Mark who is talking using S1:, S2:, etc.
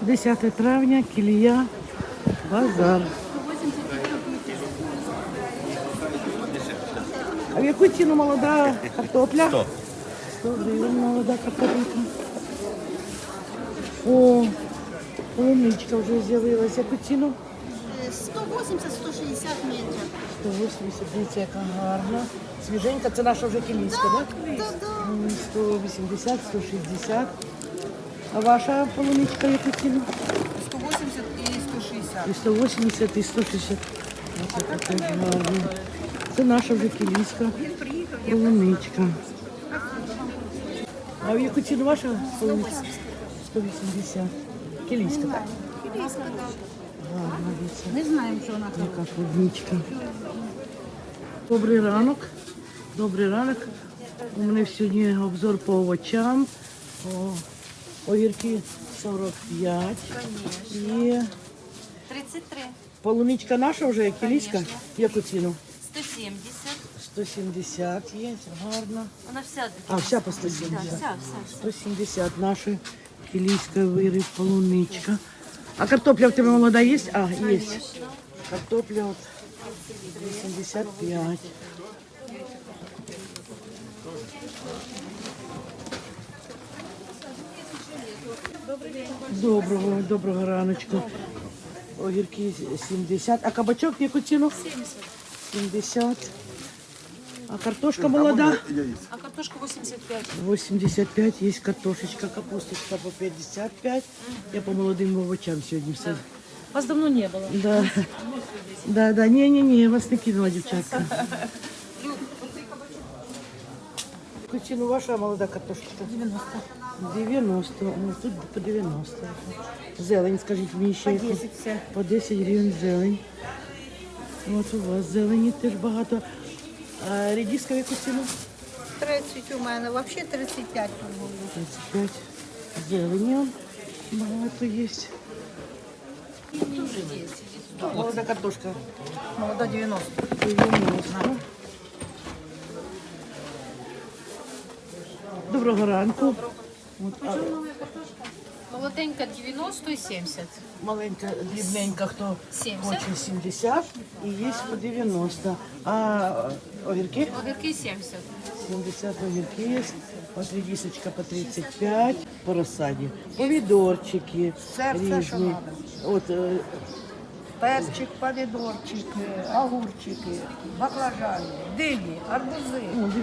S1: 10 травня, Кілія, базар. А в яку ціну молода картопля?
S2: 100.
S1: 100 гривень молода картопелька. О, полуничка вже з'явилася. Яку ціну?
S3: 180-160 метрів.
S1: 180, дивіться, яка гарна. Свіженька, це наша вже кілійська, так?
S3: Да.
S1: 180, 160. А ваша полуничка яку ціну?
S3: 180 і 160.
S1: І 180, і 160. Ось яка теж гарна. Це наша вже кілійська полуничка. А в яку ціну ваша полуничка? 180. Кілійська, так?
S3: Кілійська, так.
S1: Гарна, дивіться.
S3: Не знаємо, що вона там.
S1: Яка клубничка. Добрий ранок. Добрий ранок. У мене сьогодні обзор по овочам. Огірки 45. І
S4: 33,
S1: полуничка наша вже, кілійська. Яку ціну?
S4: 170.
S1: 170 є, гарна.
S4: Вона вся
S1: А, вся по
S4: да,
S1: 170.
S4: вся.
S1: 170 наша кілійська виріб, полуничка. А картопля в тебе молода є? А, є.
S4: Конечно.
S1: Картопля от 85. Доброго раночку. Огірки 70. А кабачок в яку ціну? 70. А картошка молода?
S4: А картошка 85.
S1: 85. Є картошечка, капусточка по 55. Я по молодим овочам сьогодні все.
S4: Вас давно не было.
S1: Да. Ні, я вас не кинула, дівчатка. Яку ціну ваша молода картошечка?
S4: 90.
S1: 90. Ну, тут по 90. Зелень, скажіть мені ще.
S4: По 10 все.
S1: По 10 гривень зелень. От у вас зелені теж багато. А редиска в яку ціну?
S3: 30 у мене, взагалі 35 тут було.
S1: 35. Зелені багато є. Молода картошка.
S3: Молода 90.
S1: 90. Доброго ранку. От,
S4: Молоденька 90 и 70.
S1: маленька, дрібненька, хто
S4: 70.
S1: хоче 70 і є по 90. А огірки?
S4: Огірки 70.
S1: 70 огірки є. От редисочка по 35 по розсаді. Помідорчики
S3: Все, що
S1: різні. От,
S3: Перчик, помідорчик, огурчики, баклажани, дині, арбузи.